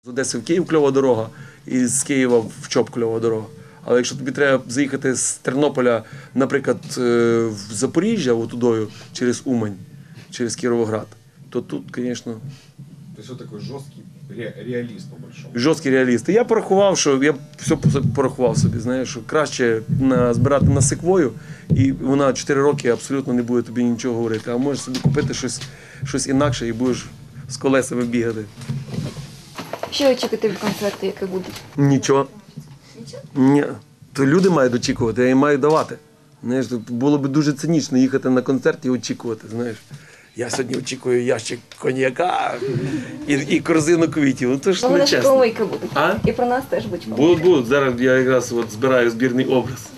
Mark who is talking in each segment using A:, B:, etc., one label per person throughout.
A: З Одеси в Київ кльова дорога, і з Києва в Чоп кльова дорога. Але якщо тобі треба заїхати з Тернополя, наприклад, в Запоріжжя, отудою, через Умань, через Кіровоград, то тут, звісно...
B: Тобто ви такий жорсткий реаліст, по-большому.
A: Жорсткий реаліст. Я порахував, що я все порахував собі, знаєш, що краще збирати на секвою, і вона 4 роки абсолютно не буде тобі нічого говорити. А можеш собі купити щось інакше і будеш з колесами бігати.
C: Що очікувати від концерту, який буде?
A: Нічого. Ні. То люди мають очікувати, я їм маю давати. Знаєш, було б дуже цинічно їхати на концерт і очікувати, знаєш. Я сьогодні очікую ящик коньяка і корзину квітів. Ну, то ж не чесно.
C: Помийки будуть.
A: А?
C: І про нас теж будуть помийки.
A: Будуть. Зараз я якраз збираю збірний образ.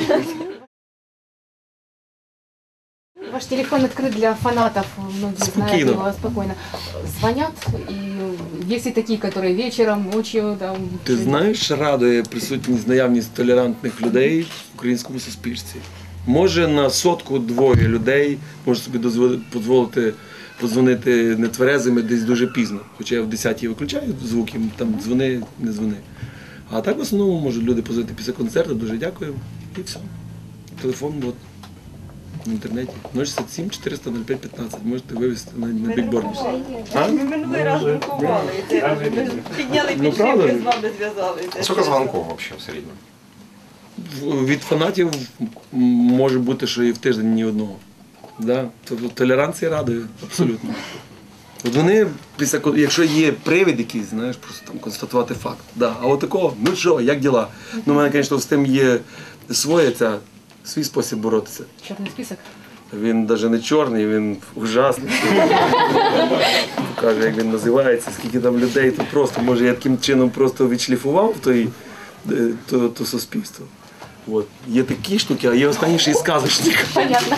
D: Ваш телефон открыт для фанатов, многие знают его спокойно. Звонят, и есть и такие, которые вечером, ночью там...
A: Ти знаєш, радує присутність, наявність толерантних людей в українському суспільстві. Може на 100-2 людей може собі дозволити подзвонити нетверезими десь дуже пізно. Хоча я в 10-й виключаю звуки, там дзвони, не дзвони. А так в основному можуть люди позвонити після концерту, дуже дякую, і все. Телефон от, в інтернеті 067 400 05 15, можете вивезти на бікборді.
E: Ми минулий раз друкували, підняли підшипки, з вами зв'язалися.
B: Скільки дзвонків взагалі в середньому?
A: Від фанатів може бути, що і в тиждень ні одного. Да? Тобто толеранція радує, абсолютно. От вони, якщо є привід якийсь, знаєш, просто там констатувати факт. Да. А от такого, ну що, як діла? Ну, у мене, звісно, з тим є свій спосіб боротися.
D: Чорний список?
A: Він навіть не чорний, він ужасний. Покаже, як він називається, скільки там людей, то просто, може, я таким чином просто відшліфував то суспільство. От. Є такі штуки, а є останні ще й сказочник.
D: Понятно.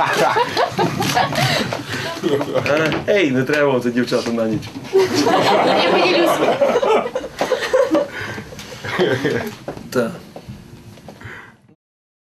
A: Ей, не треба вам це, дівчата, на ніч.
D: Я поділюсь.
A: Так.